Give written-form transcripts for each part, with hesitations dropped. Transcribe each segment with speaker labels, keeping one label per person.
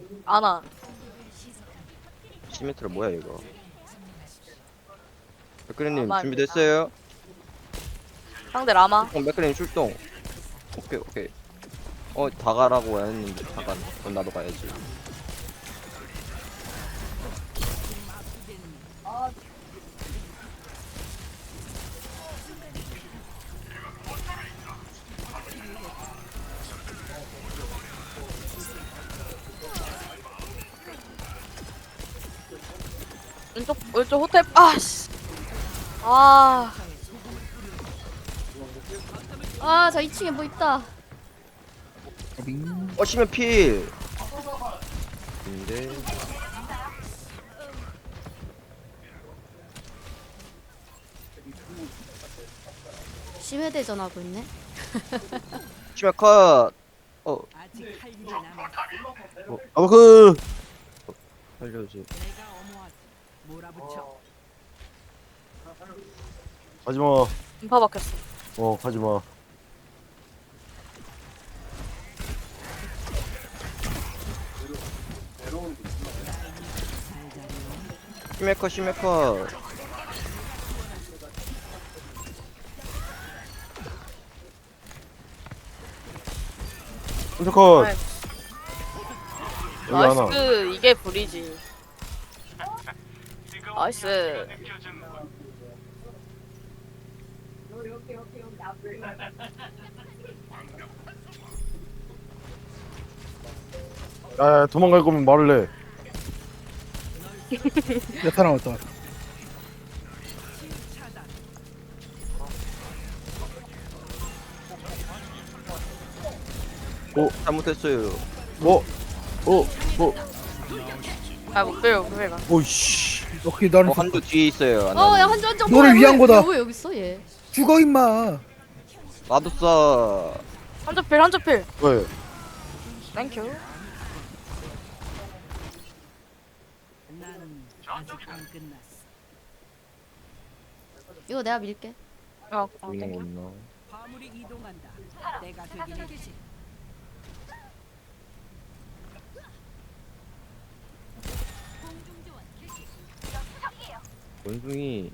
Speaker 1: 아나.
Speaker 2: 시메트라 뭐야 이거? 맥크리님
Speaker 1: 아마
Speaker 2: 준비됐어요?
Speaker 1: 상대 라마.
Speaker 2: 맥크리님 출동. 오케이 오케이. 다 가라고 했는데 잠깐. 그럼 나도 가야지.
Speaker 1: 왼쪽 호텔. 아씨. 아.
Speaker 3: 아, 저 2층에 뭐 있다.
Speaker 2: 시메 필. 근데
Speaker 3: 심해대전 하고 있네.
Speaker 2: 시메 컷.
Speaker 4: 아직 할 일이 남았어.
Speaker 5: 아그
Speaker 2: 살려지.
Speaker 4: 내가 어머하지. 몰아붙여.
Speaker 5: 가지마.
Speaker 1: 인파 박혔어.
Speaker 5: 가지마.
Speaker 2: 시메 컷 시메 컷.
Speaker 5: 컷.
Speaker 1: 아이,
Speaker 5: 여기 하나.
Speaker 1: 나이스. 이게 불이지. 나이스.
Speaker 5: 야, 도망갈 거면 말을 해.
Speaker 6: 야타나 왔다.
Speaker 2: 잘못했어요.
Speaker 5: 뭐?
Speaker 1: 아, 못 빼요, 못 빼가.
Speaker 5: 오이씨.
Speaker 6: 오케이 나는
Speaker 2: 한조 뒤에 있어요.
Speaker 3: 야, 한점
Speaker 6: 너를 위한 거다.
Speaker 3: 왜 여기 있어, 얘?
Speaker 6: 죽어 임마.
Speaker 2: 나도 쏴.
Speaker 1: 한쪽 필.
Speaker 5: 왜?
Speaker 1: 땡큐.
Speaker 4: 난 아직 안 끝났어.
Speaker 3: 이거 내가 밀게.
Speaker 2: 보이는 거
Speaker 1: 땡큐.
Speaker 2: 없나?
Speaker 4: 화물이 이동한다. 내가 되긴 해주지.
Speaker 2: 원숭이.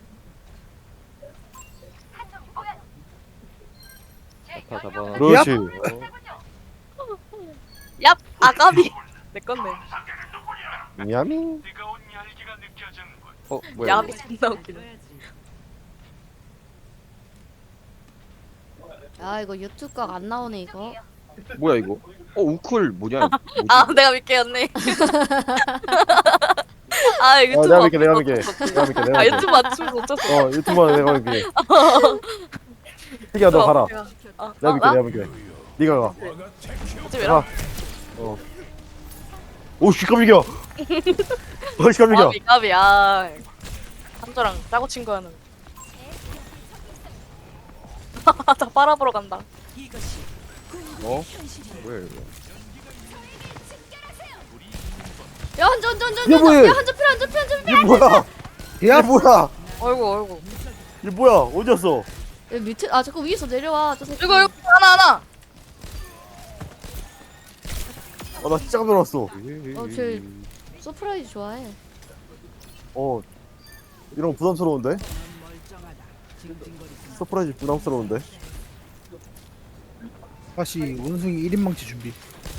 Speaker 2: 다 잡아.
Speaker 5: 그렇지.
Speaker 1: 얍! 아가비! 내 건데.
Speaker 5: 미야미.
Speaker 2: 뭐야?
Speaker 1: 야비 존나 웃기네.
Speaker 3: 야, 이거 유튜브 각 안 나오네, 이거.
Speaker 2: 뭐야 이거? 우쿨 뭐냐? 뭐지?
Speaker 1: 아, 내가 믿게 였네. 아, 유튜브
Speaker 5: 내가 믿게, 내가
Speaker 1: 맞추면
Speaker 5: 믿게.
Speaker 1: 어쩔 수
Speaker 5: 내가 믿게,
Speaker 1: 없어.
Speaker 5: 내가
Speaker 1: 아,
Speaker 5: 믿게.
Speaker 1: 유튜브 맞추면 어쩔 수 없어.
Speaker 5: 유튜브만 내가 믿게. 희기야, 너 가라. 내가 믿게,
Speaker 1: 나?
Speaker 5: 내가 믿게. 네가 가.
Speaker 1: 어찌 왜라?
Speaker 5: 오씨, 깜짝이야. 오씨, 깜짝이야.
Speaker 1: 까비, 까비, 아. 한조랑 짜고 친 거야는. 다 빨아보러 간다.
Speaker 4: 이것이
Speaker 2: 뭐야 이거?
Speaker 3: 야, 한점
Speaker 5: 이게 뭐야?
Speaker 3: 야, 한점 필, 한점 필, 한점 필.
Speaker 5: 이게 뭐야?
Speaker 6: 야,
Speaker 5: 이게 뭐야?
Speaker 1: 어이구.
Speaker 5: 이게 뭐야? 어디였어?
Speaker 3: 야, 밑에, 아, 자꾸 위에서 내려와. 저 새끼.
Speaker 1: 이거, 하나.
Speaker 5: 나 진짜 깜짝 놀랐어.
Speaker 3: 쟤 서프라이즈 좋아해.
Speaker 5: 이런 거 부담스러운데?
Speaker 4: 넌 멀쩡하다. 징징거리지 마.
Speaker 5: 서프라이즈 부담스러운데?
Speaker 6: 다시 원숭이 1인망치 준비.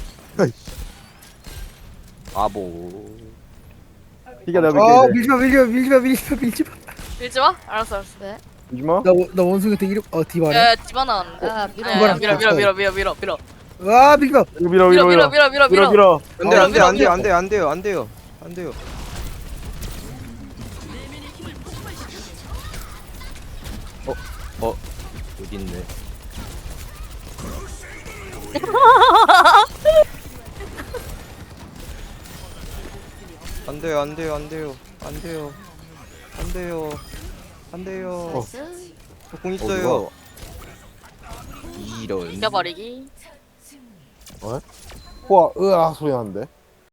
Speaker 2: 뭐.
Speaker 5: 희기야, 내가
Speaker 6: 아
Speaker 5: 믿게.
Speaker 6: 밀지마.
Speaker 1: 밀지 마? 알았어.
Speaker 3: 네.
Speaker 5: 이지마?
Speaker 6: 나 원숭이한테 이름 디바네.
Speaker 1: 야, 집어 나왔는데.
Speaker 3: 야, 밀어.
Speaker 1: 야, 밀어.
Speaker 6: 와 밀지마.
Speaker 5: 이거 밀어.
Speaker 2: 안 돼요. 여기 있네. 안 돼요.
Speaker 3: 나이스.
Speaker 2: 저 공 있어요. 이런.
Speaker 1: 이겨버리기.
Speaker 5: 호아, 으아 소리 나는데?